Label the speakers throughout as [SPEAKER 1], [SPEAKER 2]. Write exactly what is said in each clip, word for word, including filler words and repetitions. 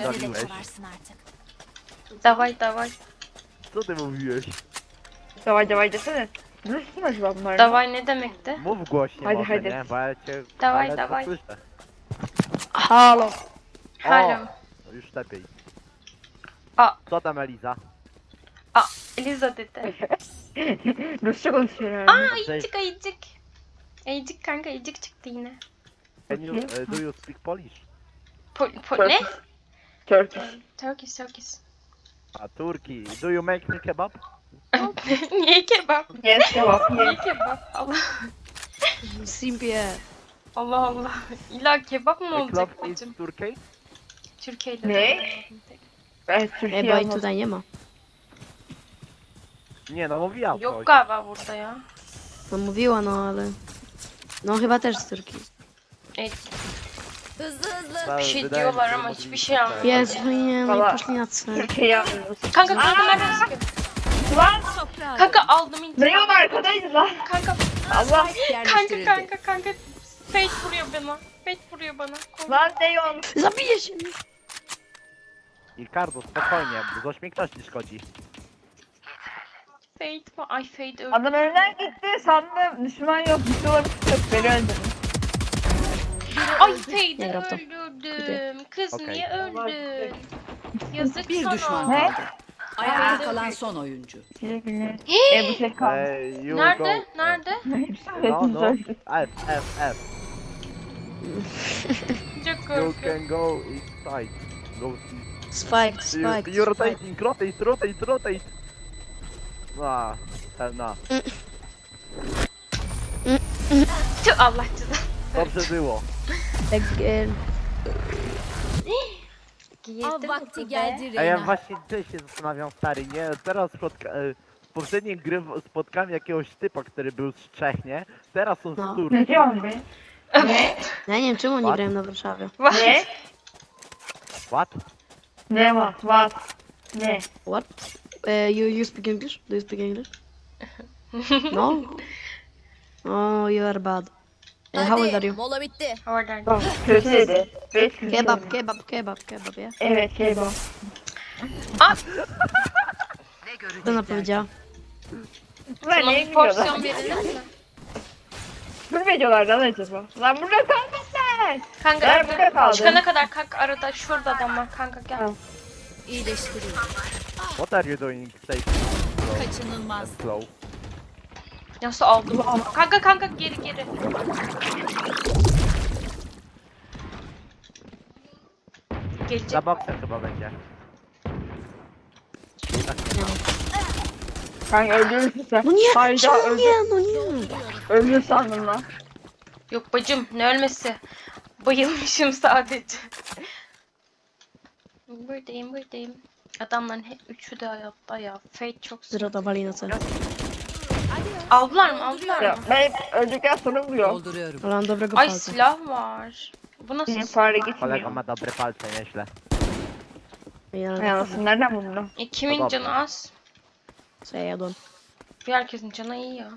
[SPEAKER 1] wywaliłeś?
[SPEAKER 2] Dawaj, dawaj.
[SPEAKER 1] Co ty mówiłeś?
[SPEAKER 3] Dawaj, dawaj, desene. Zresztą chyba w
[SPEAKER 2] Dawaj ne demekti?
[SPEAKER 1] Mów głośniej
[SPEAKER 3] Hadi,
[SPEAKER 1] może,
[SPEAKER 3] hadi.
[SPEAKER 1] nie? Bo ja cię
[SPEAKER 2] Dawaj,
[SPEAKER 1] ale
[SPEAKER 2] dawaj.
[SPEAKER 1] słyszę.
[SPEAKER 3] Halo.
[SPEAKER 2] Halo.
[SPEAKER 1] O, już lepiej.
[SPEAKER 2] A.
[SPEAKER 1] Co tam Eliza?
[SPEAKER 2] Aa Eliza dedi.
[SPEAKER 3] Rusça konuşuyor
[SPEAKER 2] Aa
[SPEAKER 3] herhalde.
[SPEAKER 2] ayıcık ayıcık. Ayıcık kanka ayıcık çıktı yine.
[SPEAKER 1] Can you, uh, do you speak Polish?
[SPEAKER 2] Pol, pol ne?
[SPEAKER 3] Turkish.
[SPEAKER 2] Turkish Turkish.
[SPEAKER 1] A Turki, do you make me kebab?
[SPEAKER 2] Niye kebap?
[SPEAKER 3] Yes, cevap.
[SPEAKER 2] Niye
[SPEAKER 3] Yes.
[SPEAKER 2] kebap? Allah
[SPEAKER 4] Simpiye.
[SPEAKER 2] Allah Allah. İlla kebap mı
[SPEAKER 1] The club
[SPEAKER 2] olacak
[SPEAKER 1] is
[SPEAKER 2] bacım?
[SPEAKER 1] Turkey?
[SPEAKER 2] Türkiye'de.
[SPEAKER 3] Ne? Evet, Türkiye
[SPEAKER 4] E, bo
[SPEAKER 3] olmaz.
[SPEAKER 4] tutaj nie ma.
[SPEAKER 1] Nie no, mówiła
[SPEAKER 2] Yok
[SPEAKER 1] coś.
[SPEAKER 2] galiba burada ya.
[SPEAKER 4] No mówiła, no ale... No chyba też z Turcji.
[SPEAKER 2] Evet,
[SPEAKER 5] Hızlı hızlı.
[SPEAKER 1] Ta-
[SPEAKER 2] bir şey
[SPEAKER 1] wydaje mi
[SPEAKER 2] diyorlar
[SPEAKER 1] się,
[SPEAKER 2] ama
[SPEAKER 1] że
[SPEAKER 2] hiçbir
[SPEAKER 1] mówili
[SPEAKER 2] şey
[SPEAKER 1] tak.
[SPEAKER 2] anlamadım.
[SPEAKER 4] Jezu, nie, no i
[SPEAKER 3] Baba.
[SPEAKER 4] poszli na cel.
[SPEAKER 3] Türkiye'yi anlıyoruz.
[SPEAKER 2] Kanka kanka nerede sıkıyor?
[SPEAKER 3] Lan
[SPEAKER 2] Kanka aldım
[SPEAKER 3] ne
[SPEAKER 2] intikam.
[SPEAKER 3] yol arkadayız lan.
[SPEAKER 2] Kanka
[SPEAKER 3] Allah.
[SPEAKER 2] kanka kanka kanka. Fate vuruyor bana. Fate vuruyor bana. Kork-
[SPEAKER 3] Lan ne yol.
[SPEAKER 4] Zabiję się!
[SPEAKER 1] Ricardo, spokojnie, bo coś mi ktoś nie szkodzi.
[SPEAKER 2] Fate mi? Ay Fate öldü.
[SPEAKER 3] Adam önden gitti sandım düşman yok. Bir şey olabilir. Yok beni öldürdü.
[SPEAKER 2] Ay Fate'i
[SPEAKER 4] Nie gra w to.
[SPEAKER 2] öldürdüm. Kız
[SPEAKER 1] Okey.
[SPEAKER 2] niye öldün? Yazık
[SPEAKER 6] Bir
[SPEAKER 2] sana.
[SPEAKER 6] düşman
[SPEAKER 3] Ne?
[SPEAKER 6] kaldı. Ayakta kalan son oyuncu.
[SPEAKER 3] Teşekkürler. E bu şey kaldı.
[SPEAKER 1] Hey, you
[SPEAKER 2] Nerede?
[SPEAKER 1] go.
[SPEAKER 2] Nerede?
[SPEAKER 3] Hepsi
[SPEAKER 1] No, no.
[SPEAKER 3] öldü.
[SPEAKER 1] F, F, F.
[SPEAKER 2] Çok
[SPEAKER 1] You
[SPEAKER 2] korkuyorum.
[SPEAKER 1] can go inside. Go
[SPEAKER 4] Spike,
[SPEAKER 1] You,
[SPEAKER 4] spike,
[SPEAKER 1] you're
[SPEAKER 4] spike.
[SPEAKER 1] rotating, rotate, rotate, rotate. Ah, hell no.
[SPEAKER 2] Tüh Allah cezanı.
[SPEAKER 1] Dobrze było.
[SPEAKER 4] Tak, e,
[SPEAKER 5] Av
[SPEAKER 2] Girdim
[SPEAKER 5] vakti
[SPEAKER 2] mi be?
[SPEAKER 5] geldi
[SPEAKER 1] A ja
[SPEAKER 5] Reyna.
[SPEAKER 1] właśnie też się zastanawiam, stary, nie? Teraz spotka... e, w poprzedniej gry w- spotkałem jakiegoś typa, który był z Czech, nie? Teraz są
[SPEAKER 4] No.
[SPEAKER 1] z Turcji.
[SPEAKER 3] Ne diyorsun be? Ne?
[SPEAKER 4] ja nie wiem czemu nie
[SPEAKER 1] What?
[SPEAKER 4] grałem na Warszawie.
[SPEAKER 3] Ne?
[SPEAKER 1] What?
[SPEAKER 3] Ne var? Var. Ne?
[SPEAKER 4] What? Uh, you, you speak English? Do you speak English? No? Oh, you are bad. Uh, how old are
[SPEAKER 5] Hadi
[SPEAKER 4] you?
[SPEAKER 5] mola bitti.
[SPEAKER 2] Oradan.
[SPEAKER 3] Bak kötü dedi. Beş yüz
[SPEAKER 4] Kebab,
[SPEAKER 3] dedi.
[SPEAKER 4] kebab, kebab, kebab, ja?
[SPEAKER 3] Evet kebap.
[SPEAKER 4] Co ona powiedziała?
[SPEAKER 3] Bunlar
[SPEAKER 2] Tamam
[SPEAKER 3] neye
[SPEAKER 2] bir porsiyon
[SPEAKER 3] gidiyorlar?
[SPEAKER 2] verelim mi?
[SPEAKER 3] Bu videolar lan acaba? Lan burada kalmışlar.
[SPEAKER 2] Kanka
[SPEAKER 3] Ben burada kaldım.
[SPEAKER 2] çıkana kadar kanka arada şurada adam var kanka gel.
[SPEAKER 3] Tamam.
[SPEAKER 5] İyileştiriyor.
[SPEAKER 1] What are you doing safe and
[SPEAKER 5] Kaçınılmaz.
[SPEAKER 1] slow?
[SPEAKER 2] Nasıl aldım? Kanka kanka geri geri. Gelecek.
[SPEAKER 1] Za boksem chyba będzie.
[SPEAKER 3] Kanka öldürürsün sen.
[SPEAKER 4] No nie,
[SPEAKER 3] Hayda
[SPEAKER 4] czemu
[SPEAKER 3] öldür.
[SPEAKER 4] nie, no nie.
[SPEAKER 3] Öldür sandım lan.
[SPEAKER 2] Yok bacım ne ölmesi. Bayılmışım sadece. Buradayım buradayım. Adamların hep üçü de hayatta ya. Fate çok zor.
[SPEAKER 4] Zero dawali na cel.
[SPEAKER 2] Aldılar mı aldılar
[SPEAKER 3] Ya
[SPEAKER 2] mı?
[SPEAKER 3] ben hep öldükten sonra vuruyorum.
[SPEAKER 6] Dolduruyorum.
[SPEAKER 4] Ale mam dobrego
[SPEAKER 2] Ay
[SPEAKER 4] palca.
[SPEAKER 2] silah var. Bu nasıl?
[SPEAKER 3] Benim fare
[SPEAKER 1] Kolega
[SPEAKER 3] gitmiyor.
[SPEAKER 1] ma dobre palce, nieźle.
[SPEAKER 4] Ja,
[SPEAKER 3] Ay anasını nereden buldun?
[SPEAKER 2] E, kimin
[SPEAKER 1] Adam.
[SPEAKER 2] canı az?
[SPEAKER 4] co ja jadłem?
[SPEAKER 2] Herkesin canı iyi ya.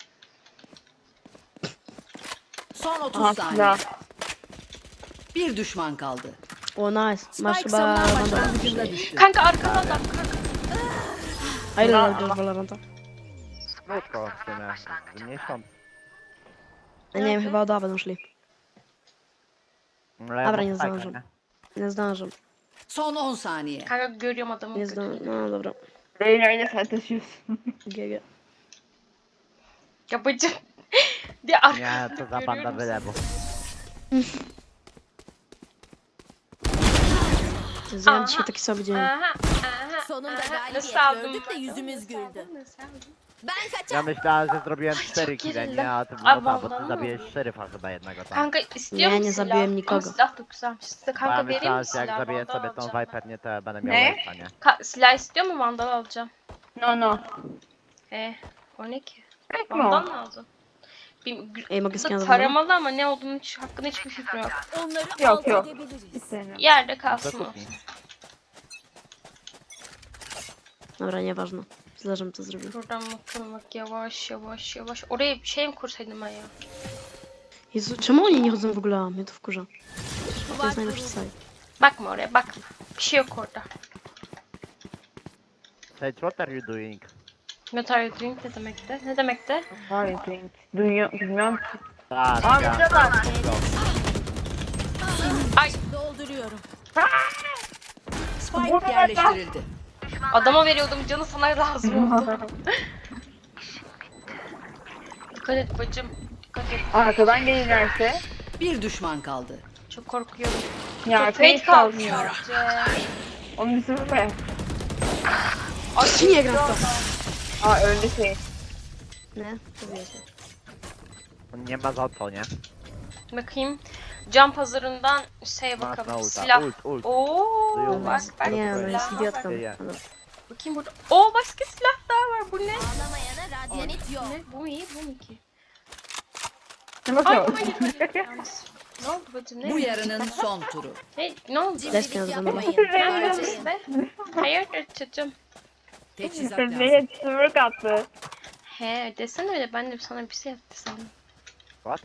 [SPEAKER 6] Son otuz
[SPEAKER 3] Aha
[SPEAKER 6] saniye.
[SPEAKER 3] silah.
[SPEAKER 6] Bir düşman kaldı.
[SPEAKER 4] O nice. Masz
[SPEAKER 5] Spike
[SPEAKER 4] chyba
[SPEAKER 5] savunan
[SPEAKER 4] Valoranta.
[SPEAKER 6] Başlangıcında düştü.
[SPEAKER 2] Kanka arkada adam kanka.
[SPEAKER 4] A ile lat grasz w Valoranta?
[SPEAKER 1] Krótko w sumie, miesiąc.
[SPEAKER 4] Ja nie wiem, chyba od A będą szli.
[SPEAKER 1] Ale
[SPEAKER 4] Dobra, nie
[SPEAKER 1] mam spajka,
[SPEAKER 4] zdążę. Nie zdążę.
[SPEAKER 6] Son on saniye.
[SPEAKER 2] Kanka görüyorum adamı.
[SPEAKER 4] Nie zdążę. No dobra.
[SPEAKER 3] Beyin öyle sen taşıyorsun.
[SPEAKER 4] G G.
[SPEAKER 2] Ya bacım. Diye arkada
[SPEAKER 1] Nie, to za banda
[SPEAKER 2] görüyorum.
[SPEAKER 1] wylewu.
[SPEAKER 4] Zjadłem dzisiaj taki sobie dzień.
[SPEAKER 2] Aha, aha,
[SPEAKER 5] Sonunda
[SPEAKER 2] aha.
[SPEAKER 5] galibiyet
[SPEAKER 2] Nasıl aldım
[SPEAKER 5] gördük de
[SPEAKER 2] ben?
[SPEAKER 5] yüzümüz
[SPEAKER 2] Nasıl
[SPEAKER 5] güldü.
[SPEAKER 2] aldım, nasıl aldım?
[SPEAKER 5] Ben
[SPEAKER 1] Ja
[SPEAKER 5] kaçar.
[SPEAKER 1] myślałem, że zrobiłem cztery
[SPEAKER 2] çok
[SPEAKER 1] kile,
[SPEAKER 2] gerildim.
[SPEAKER 1] nie? A ty,
[SPEAKER 2] A,
[SPEAKER 1] no tak, bo
[SPEAKER 2] vallahi
[SPEAKER 1] ty
[SPEAKER 2] mi?
[SPEAKER 1] zabiłeś szeryfa chyba jednego tam.
[SPEAKER 2] Kanka istiyor
[SPEAKER 4] Nie,
[SPEAKER 2] musun
[SPEAKER 4] nie
[SPEAKER 2] silah?
[SPEAKER 4] zabiłem nikogo.
[SPEAKER 2] Ama silah da güzelmiş. Size
[SPEAKER 1] Bo ja
[SPEAKER 2] kanka vereyim mi
[SPEAKER 1] myślałem, że
[SPEAKER 2] silah?
[SPEAKER 1] jak zabiję
[SPEAKER 2] Vandal
[SPEAKER 1] sobie tą
[SPEAKER 2] alacağım.
[SPEAKER 1] Viper, nie, to ja będę miał
[SPEAKER 3] Ne?
[SPEAKER 1] waste'a, nie?
[SPEAKER 2] Ka silah istiyor mu? Vandal alacağım.
[SPEAKER 3] No no.
[SPEAKER 2] He. O ne ki?
[SPEAKER 3] Pek
[SPEAKER 2] Vandal
[SPEAKER 3] mi?
[SPEAKER 2] lazım. Bir,
[SPEAKER 4] Ej, mogę
[SPEAKER 2] bu
[SPEAKER 4] skinąć
[SPEAKER 2] da
[SPEAKER 4] za mną?
[SPEAKER 2] taramalı ama ne olduğunu hiç, hakkında hiçbir fikrim yok.
[SPEAKER 5] Onları
[SPEAKER 3] Yok,
[SPEAKER 5] alt
[SPEAKER 3] yok.
[SPEAKER 5] edebiliriz.
[SPEAKER 3] İstemiyorum.
[SPEAKER 2] Yerde
[SPEAKER 1] Do
[SPEAKER 2] kalsın o.
[SPEAKER 1] kuchni.
[SPEAKER 4] Dobra, nieważne. Zależy mi co zrobił.
[SPEAKER 2] Buradan bakalım bak yavaş yavaş yavaş. Oraya bir şey mi kursaydım ben ya?
[SPEAKER 4] Jezu, czemu oni nie chodzą w ogóle? Mnie to wkurza. To jest najlepszy site.
[SPEAKER 2] Bakma oraya bakma. Bir şey yok orada.
[SPEAKER 1] Sage, what are you doing?
[SPEAKER 2] What are you doing ne demekti? Ne demekti?
[SPEAKER 3] Hayır, think. Dünya, bilmiyorum ki.
[SPEAKER 1] Ah,
[SPEAKER 3] Aa,
[SPEAKER 1] ya.
[SPEAKER 3] burada var.
[SPEAKER 2] Ay
[SPEAKER 5] Dolduruyorum.
[SPEAKER 6] Spike yerleştirildi.
[SPEAKER 2] adama veriyordum canı sana lazım oldu. Dikkat et bacım. Dikkat et.
[SPEAKER 3] Arkadan gelirlerse.
[SPEAKER 6] Bir düşman kaldı.
[SPEAKER 2] Çok korkuyorum.
[SPEAKER 3] Ya
[SPEAKER 2] Fate
[SPEAKER 3] Fate
[SPEAKER 2] kaldı
[SPEAKER 3] kalmıyor.
[SPEAKER 2] sadece.
[SPEAKER 3] Onu düşünme.
[SPEAKER 4] Niye grafta?
[SPEAKER 3] Aa öldü şey.
[SPEAKER 4] Ne? To wiecie.
[SPEAKER 1] Nie ma za co, nie?
[SPEAKER 2] Bakayım. Cam pazarından şey
[SPEAKER 1] Masz na
[SPEAKER 2] bakalım.
[SPEAKER 1] ulta.
[SPEAKER 2] Silah.
[SPEAKER 1] Ult, ult.
[SPEAKER 2] Oo, bak bak.
[SPEAKER 4] Nie, no
[SPEAKER 1] Dobra.
[SPEAKER 4] jest
[SPEAKER 2] silah.
[SPEAKER 4] idiotką.
[SPEAKER 1] Ja.
[SPEAKER 4] No.
[SPEAKER 2] Bakayım burada. Oo başka silah daha var. Bu ne?
[SPEAKER 5] Ağlamayana radyanit yok.
[SPEAKER 2] Ne? Bu mu iyi? Bu mu ki?
[SPEAKER 3] Ne
[SPEAKER 2] Ay
[SPEAKER 3] bakıyor?
[SPEAKER 2] hayır hayır. Yanlış. Ne oldu bacım? Ne?
[SPEAKER 6] Bu yarının son turu.
[SPEAKER 2] Ne, ne oldu?
[SPEAKER 5] Cimrilik
[SPEAKER 4] Lesbian
[SPEAKER 5] yapmayın.
[SPEAKER 2] Ne yapıyorsun
[SPEAKER 5] Harcayın.
[SPEAKER 2] be? Hayır çocuğum.
[SPEAKER 6] Teçhizat lazım.
[SPEAKER 3] Fate sımırık attı.
[SPEAKER 2] He desene öyle ben de sana bir şey yaptı sandım.
[SPEAKER 1] What?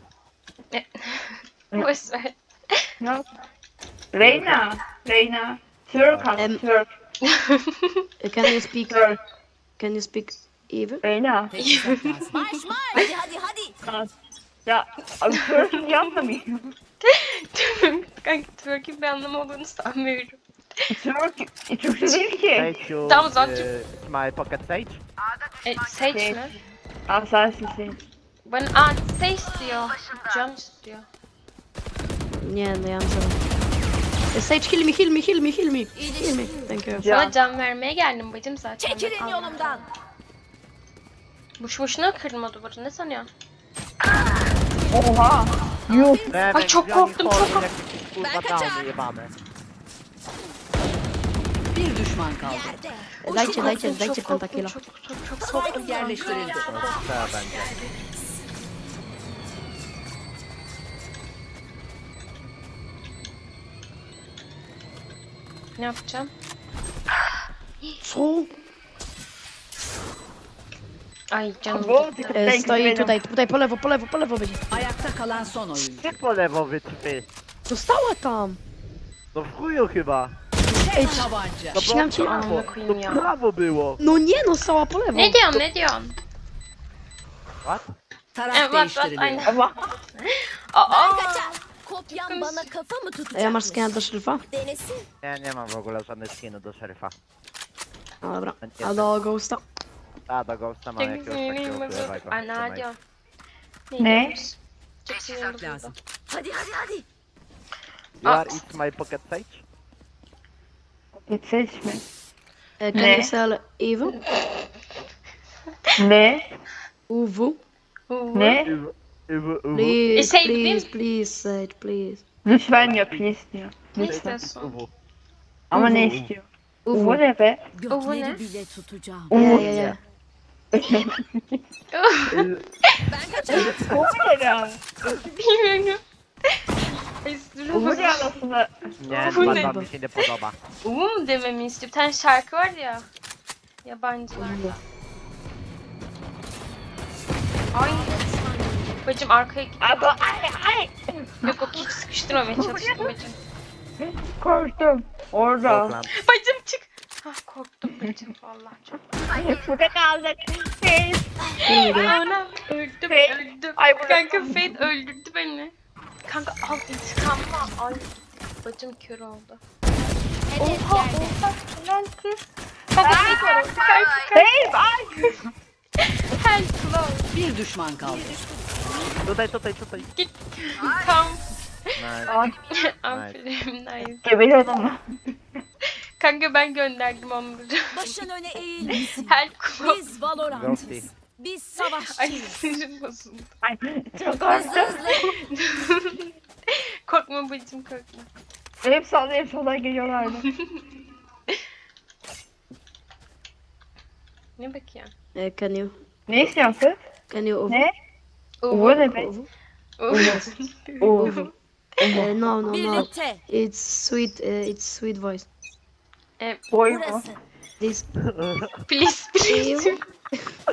[SPEAKER 2] Boş ver.
[SPEAKER 3] Ne? Reyna. Reyna. Türk attı.
[SPEAKER 4] Em-
[SPEAKER 3] Türk.
[SPEAKER 4] Uh, Can you speak?
[SPEAKER 3] Türk.
[SPEAKER 4] Can you speak even?
[SPEAKER 3] Reyna.
[SPEAKER 6] Teçhizat lazım.
[SPEAKER 5] Marş marş. Hadi hadi hadi.
[SPEAKER 3] Ya abi Türk yapmıyor.
[SPEAKER 2] Kanka twerk'in bir anlamı olduğunu sanmıyorum.
[SPEAKER 3] Türk. Türkçe değil ki.
[SPEAKER 1] Sage, you...
[SPEAKER 2] Tamam, zaten-
[SPEAKER 1] uh, my pocket Sage?
[SPEAKER 2] E, Sage
[SPEAKER 3] Şey.
[SPEAKER 2] mi?
[SPEAKER 3] Asası şey.
[SPEAKER 2] Bana aa Sage istiyor. Cam istiyor.
[SPEAKER 4] Nie, no ja mam zero. Uh, Sage, heal me, heal me, heal me, heal me. Heal me. Thank you.
[SPEAKER 3] Ya.
[SPEAKER 2] Sana can vermeye geldim bacım zaten.
[SPEAKER 5] Çekilin
[SPEAKER 2] Allah.
[SPEAKER 5] yolumdan.
[SPEAKER 2] Boş boşuna kırdım o duvarı ne sanıyorsun?
[SPEAKER 3] Oha. Yuh.
[SPEAKER 1] Remek,
[SPEAKER 2] çok
[SPEAKER 1] wziął
[SPEAKER 2] korktum,
[SPEAKER 1] mi
[SPEAKER 2] çok
[SPEAKER 1] hordy, jakieś, kurwa,
[SPEAKER 5] Ben kaçar.
[SPEAKER 1] downy jebane.
[SPEAKER 6] Bir düşman kaldı.
[SPEAKER 5] Yerde.
[SPEAKER 4] Dajcie, dajcie,
[SPEAKER 2] Çok
[SPEAKER 4] dajcie
[SPEAKER 2] korktum,
[SPEAKER 4] pentakilla.
[SPEAKER 2] Çok çok çok korktum.
[SPEAKER 6] Spike yerleştirildi.
[SPEAKER 1] Trzeba będzie.
[SPEAKER 2] Ne yapacağım?
[SPEAKER 4] Co?
[SPEAKER 2] Ay canım
[SPEAKER 3] Bu
[SPEAKER 2] gitti.
[SPEAKER 4] E, Stoi tutaj, tutaj po lewo, po lewo, po lewo będzie.
[SPEAKER 6] Ayakta kalan son oyuncu.
[SPEAKER 1] Ty po lewo wytrwy.
[SPEAKER 4] Została tam!
[SPEAKER 1] No w chuju chyba.
[SPEAKER 6] Tek tabanca.
[SPEAKER 1] No
[SPEAKER 4] Śmiam
[SPEAKER 1] bo
[SPEAKER 4] cię.
[SPEAKER 1] prawo,
[SPEAKER 2] Amına koyayım
[SPEAKER 1] to
[SPEAKER 2] ya.
[SPEAKER 1] prawo było.
[SPEAKER 4] No nie no, stała po lewo.
[SPEAKER 2] Ne diyorsun ne diyorsun?
[SPEAKER 1] What?
[SPEAKER 6] Taraf
[SPEAKER 2] Evet bak
[SPEAKER 6] değiştiriliyor.
[SPEAKER 2] aynen.
[SPEAKER 3] Ama
[SPEAKER 2] Aa.
[SPEAKER 5] Kaçar. Kopyan bana kafa mı tutacak?
[SPEAKER 4] A ja masz skina do szeryfa?
[SPEAKER 5] Denesin.
[SPEAKER 1] Ja nie mam w ogóle żadnych skinów do szeryfa.
[SPEAKER 4] No dobra. A do Ghosta?
[SPEAKER 1] A, do Ghosta mam jakiegoś takiego królewego.
[SPEAKER 2] Ay ne diyorsun?
[SPEAKER 3] Ne?
[SPEAKER 2] diyorsun? Çok sinirli
[SPEAKER 6] Lazım.
[SPEAKER 2] buldum.
[SPEAKER 5] Hadi hadi hadi.
[SPEAKER 1] You are it my pocket Sage?
[SPEAKER 3] seçme.
[SPEAKER 4] E, Can
[SPEAKER 3] Ne?
[SPEAKER 4] you sell Evo?
[SPEAKER 3] Ne?
[SPEAKER 4] U W?
[SPEAKER 3] Ne?
[SPEAKER 1] Iwu, iwu, iwu.
[SPEAKER 4] Please,
[SPEAKER 2] E, şey,
[SPEAKER 4] please,
[SPEAKER 2] değil
[SPEAKER 4] please, Sage, please.
[SPEAKER 3] Lütfen yap istiyor.
[SPEAKER 2] Ne
[SPEAKER 3] Lütfen.
[SPEAKER 2] istiyorsun?
[SPEAKER 1] Iwu.
[SPEAKER 3] Ama ne istiyor?
[SPEAKER 4] U
[SPEAKER 3] Bu
[SPEAKER 4] W.
[SPEAKER 3] ne be?
[SPEAKER 2] O ne?
[SPEAKER 6] Gökleri bile tutacağım.
[SPEAKER 4] Ja, ja, ja.
[SPEAKER 5] Ben kaçar.
[SPEAKER 3] Bu ne ya?
[SPEAKER 2] Bilmiyorum. Ay
[SPEAKER 3] Bu
[SPEAKER 2] dur.
[SPEAKER 3] ne anasını?
[SPEAKER 1] Nie,
[SPEAKER 2] Bu
[SPEAKER 1] chyba
[SPEAKER 2] ne?
[SPEAKER 1] to mi się nie podoba.
[SPEAKER 2] Um dememi istiyor. Bir tane şarkı var ya. Yabancılarda. Ay. Bacım arkaya git.
[SPEAKER 3] Abi ay ay.
[SPEAKER 2] Yok yok hiç sıkıştırmamaya çalıştım bacım.
[SPEAKER 3] Korktum. Orada.
[SPEAKER 1] Oakland.
[SPEAKER 2] Bacım çık. Ah korktum bacım vallahi çok.
[SPEAKER 3] Burada kaldık. Şey.
[SPEAKER 2] Anam öldüm
[SPEAKER 3] Fate.
[SPEAKER 2] öldüm.
[SPEAKER 3] Ay, burada-
[SPEAKER 2] Kanka Fate öldürdü beni. Kanka al intikamımı al. Ay bacım kör oldu.
[SPEAKER 5] Hedef
[SPEAKER 2] Oha
[SPEAKER 5] yerde.
[SPEAKER 2] oha helal kız. Kanka Fate var orada. Kanka
[SPEAKER 3] Hey ay.
[SPEAKER 2] help love.
[SPEAKER 6] Bir düşman kaldı.
[SPEAKER 1] Tutaj, tutaj, tutaj.
[SPEAKER 2] Git. Tam.
[SPEAKER 1] Nice.
[SPEAKER 3] Ay.
[SPEAKER 2] Aferin nice.
[SPEAKER 3] Gebeli adamı.
[SPEAKER 2] Kanka ben gönderdim onları.
[SPEAKER 5] Başın öne eğilmesin.
[SPEAKER 2] Help love.
[SPEAKER 5] Biz Valorant'ız.
[SPEAKER 1] Ghosty.
[SPEAKER 5] Biz
[SPEAKER 2] Ay
[SPEAKER 5] savaşçıyız.
[SPEAKER 2] sinirim bozuldu.
[SPEAKER 3] Ay çok
[SPEAKER 5] Hızlı
[SPEAKER 3] korktum.
[SPEAKER 5] hızlı.
[SPEAKER 2] Korkma bacım korkma.
[SPEAKER 3] Hep sağda hep soldan geliyorlardı.
[SPEAKER 2] Ne bakıyorsun?
[SPEAKER 4] E, Can you,
[SPEAKER 3] Ne istiyorsun kız?
[SPEAKER 4] can you U W?
[SPEAKER 3] Ne? Bu ne be?
[SPEAKER 4] U W?
[SPEAKER 3] Oo.
[SPEAKER 4] E, no, no, no.
[SPEAKER 5] Birlikte.
[SPEAKER 4] It's sweet, uh, it's sweet voice.
[SPEAKER 3] Boy mu?
[SPEAKER 5] Burası.
[SPEAKER 4] This
[SPEAKER 2] Please please.
[SPEAKER 4] Evo.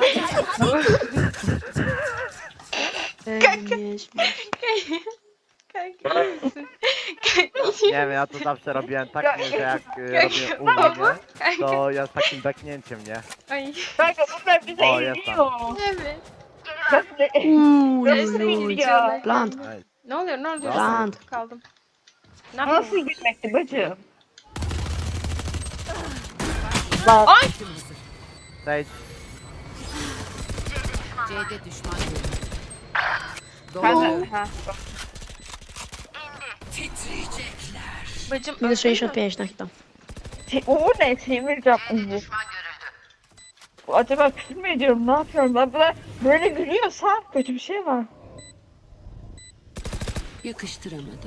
[SPEAKER 4] E, nie śmiej.
[SPEAKER 2] Kanka iyi misin?
[SPEAKER 1] Nie wiem, ja to zawsze robiłem tak, nie, że jak y, robię u mnie,
[SPEAKER 2] Kanka.
[SPEAKER 1] to ja z takim beknięciem, nie?
[SPEAKER 2] Ay.
[SPEAKER 3] Kanka bunlar bize
[SPEAKER 1] O, jest
[SPEAKER 3] izliyor.
[SPEAKER 2] Evet.
[SPEAKER 3] Ben de
[SPEAKER 4] Uuu,
[SPEAKER 3] Nasıl
[SPEAKER 4] uuu.
[SPEAKER 3] izliyor?
[SPEAKER 4] Plant.
[SPEAKER 1] Ej,
[SPEAKER 2] Ne oluyor ne oluyor?
[SPEAKER 4] Lan.
[SPEAKER 2] Kaldım. Ne
[SPEAKER 3] Nasıl
[SPEAKER 2] yapayım?
[SPEAKER 3] gülmekti bacım?
[SPEAKER 2] Ay!
[SPEAKER 1] Sage,
[SPEAKER 6] C'de düşman görüldü.
[SPEAKER 3] Kanka.
[SPEAKER 6] Dolduruyorum.
[SPEAKER 3] Ha.
[SPEAKER 2] Bacım
[SPEAKER 4] Minus sześćdziesiąt pięć na hita.
[SPEAKER 3] Te- O ne? Semircan Uğur. Acaba küfür mü ediyorum? Ne yapıyorum? Ben böyle, böyle gülüyorsa kötü bir şey var.
[SPEAKER 6] Yakıştıramadım.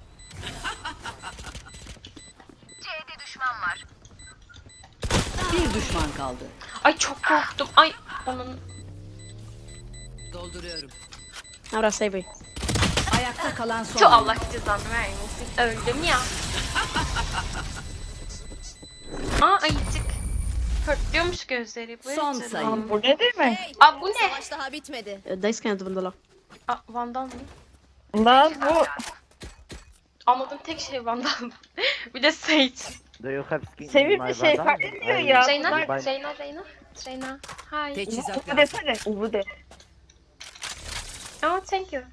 [SPEAKER 6] Bir düşman kaldı.
[SPEAKER 2] Ay çok korktum. Ay onun.
[SPEAKER 6] Dolduruyorum.
[SPEAKER 4] Dobra, save.
[SPEAKER 6] Ayakta kalan son.
[SPEAKER 2] Şu Allah cezanı vermesin. Öldüm ya. Aa ayıcık. Pörtlüyormuş gözleri. Bu
[SPEAKER 6] Son
[SPEAKER 2] yüzden.
[SPEAKER 6] sayı.
[SPEAKER 3] Aa, bu ne demek?
[SPEAKER 2] Aa bu ne?
[SPEAKER 5] Savaş daha bitmedi.
[SPEAKER 4] Daj skan do Vandala.
[SPEAKER 2] Aa Vandal mı?
[SPEAKER 3] Lan bu
[SPEAKER 2] Anladığım tek şey Vandal. Bir de Sage.
[SPEAKER 1] do you have skin
[SPEAKER 3] Sevimli
[SPEAKER 1] in my
[SPEAKER 3] şey
[SPEAKER 1] Vandal?
[SPEAKER 3] fark etmiyor
[SPEAKER 1] Ej,
[SPEAKER 3] ya.
[SPEAKER 2] Reyna,
[SPEAKER 3] Bunlar-
[SPEAKER 2] Reyna, Reyna. Reyna. Hi.
[SPEAKER 6] Teçhizat
[SPEAKER 3] Uğur
[SPEAKER 6] lazım.
[SPEAKER 3] desene. Uğur de.
[SPEAKER 2] Oh thank you.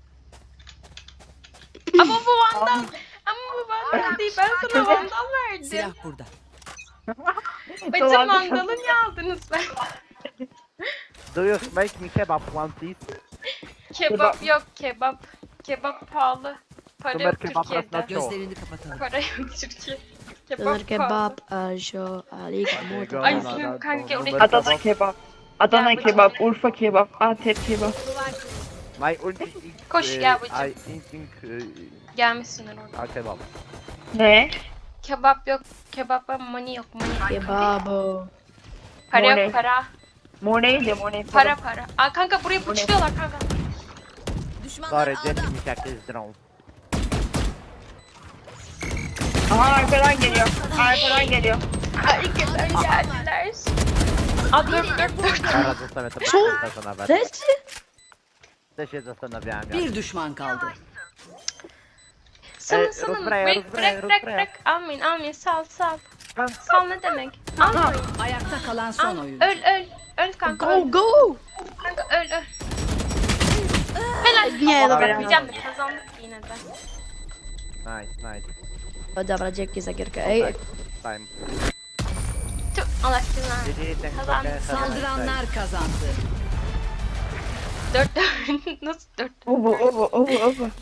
[SPEAKER 2] Ama bu Vandal. Ama bu Vandal değil. Ben sana Vandal verdim.
[SPEAKER 6] Silah burada.
[SPEAKER 2] Bacım
[SPEAKER 3] Dolar-
[SPEAKER 2] Vandal'ı niye aldınız ben?
[SPEAKER 1] Do you make me kebab one please?
[SPEAKER 2] Kebap yok kebap. Kebap pahalı. Para
[SPEAKER 1] Numer
[SPEAKER 2] yok
[SPEAKER 1] kebap
[SPEAKER 2] Türkiye'de.
[SPEAKER 1] rasna-
[SPEAKER 6] Gözlerini kapatalım.
[SPEAKER 2] Para yok Türkiye. Kebap
[SPEAKER 4] Döner
[SPEAKER 2] pahalı.
[SPEAKER 4] kebap, ajo, alik, motor.
[SPEAKER 2] Ay,
[SPEAKER 1] Numer
[SPEAKER 2] senin kanka
[SPEAKER 1] kebap.
[SPEAKER 2] oraya-
[SPEAKER 3] Adana kebap. Adana
[SPEAKER 2] Ya, bu-
[SPEAKER 3] kebap, Urfa kebap, Antep kebap.
[SPEAKER 1] My ulti is,
[SPEAKER 2] Koş,
[SPEAKER 1] uh,
[SPEAKER 2] gel bacım.
[SPEAKER 1] I think uh,
[SPEAKER 2] Gelmişsinler orada.
[SPEAKER 1] a kebab.
[SPEAKER 3] Ne?
[SPEAKER 2] Kebap yok. Kebaba money yok money.
[SPEAKER 4] Kebabo.
[SPEAKER 2] Para
[SPEAKER 3] Money.
[SPEAKER 2] yok para.
[SPEAKER 3] Mo neydi? Mo ne?
[SPEAKER 2] Para para. Aa kanka buraya bıçlıyorlar kanka.
[SPEAKER 5] Düşmanlar
[SPEAKER 1] Sorry,
[SPEAKER 5] ağda.
[SPEAKER 1] didn't mean to use drone.
[SPEAKER 3] Aha arkadan geliyor. Arkadan geliyor.
[SPEAKER 2] Ay geldiler geldiler. Aa dur dur dur.
[SPEAKER 1] Zaraz zostawię to bezpieczne nawet.
[SPEAKER 4] Leży?
[SPEAKER 1] Też się zastanawiałem jak.
[SPEAKER 6] Bir düşman kaldı.
[SPEAKER 2] Sana
[SPEAKER 1] Ey,
[SPEAKER 2] sana
[SPEAKER 1] Rusbraya,
[SPEAKER 2] bırak
[SPEAKER 1] Rusbraya,
[SPEAKER 2] bırak bırak
[SPEAKER 1] Rusbraya.
[SPEAKER 2] bırak. Almayın almayın sal sal.
[SPEAKER 1] Kan-
[SPEAKER 2] Sal ne demek? Almayın.
[SPEAKER 6] Ayakta kalan son
[SPEAKER 2] Al.
[SPEAKER 6] oyuncu.
[SPEAKER 2] Öl öl. Öl kanka öl.
[SPEAKER 4] Go, go!
[SPEAKER 2] Kanka öl öl. Helal.
[SPEAKER 4] Nie,
[SPEAKER 2] Allah
[SPEAKER 4] dobra.
[SPEAKER 2] Diyeceğim de kazandık yine de.
[SPEAKER 1] Nice, nice.
[SPEAKER 4] O, dobra, dzięki za gierkę. Ej,
[SPEAKER 1] Time.
[SPEAKER 2] Tüh Allah cezanı.
[SPEAKER 1] G G, thanks for
[SPEAKER 2] Kazan-
[SPEAKER 1] the- have a nice day.
[SPEAKER 6] Saldıranlar kazandı.
[SPEAKER 2] Dört dört. Nasıl dört?
[SPEAKER 3] O bu, o bu, o bu, o bu.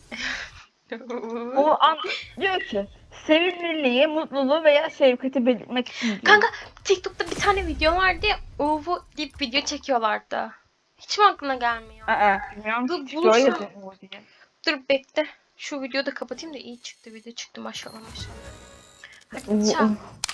[SPEAKER 3] O an diyor ki sevimliliği, mutluluğu veya şefkati belirtmek için diyor.
[SPEAKER 2] Kanka TikTok'ta bir tane video vardı ya. Uvu deyip video çekiyorlardı. Hiç mi aklına gelmiyor?
[SPEAKER 3] Aa, bilmiyorum.
[SPEAKER 2] Dur,
[SPEAKER 3] Şöyle
[SPEAKER 2] bulursam-
[SPEAKER 3] yazıyor Uğur diye.
[SPEAKER 2] Dur bekle. Şu videoyu da kapatayım da iyi çıktı video çıktı maşallah maşallah. Hadi
[SPEAKER 3] Uğur,
[SPEAKER 2] çal.
[SPEAKER 3] Uğur.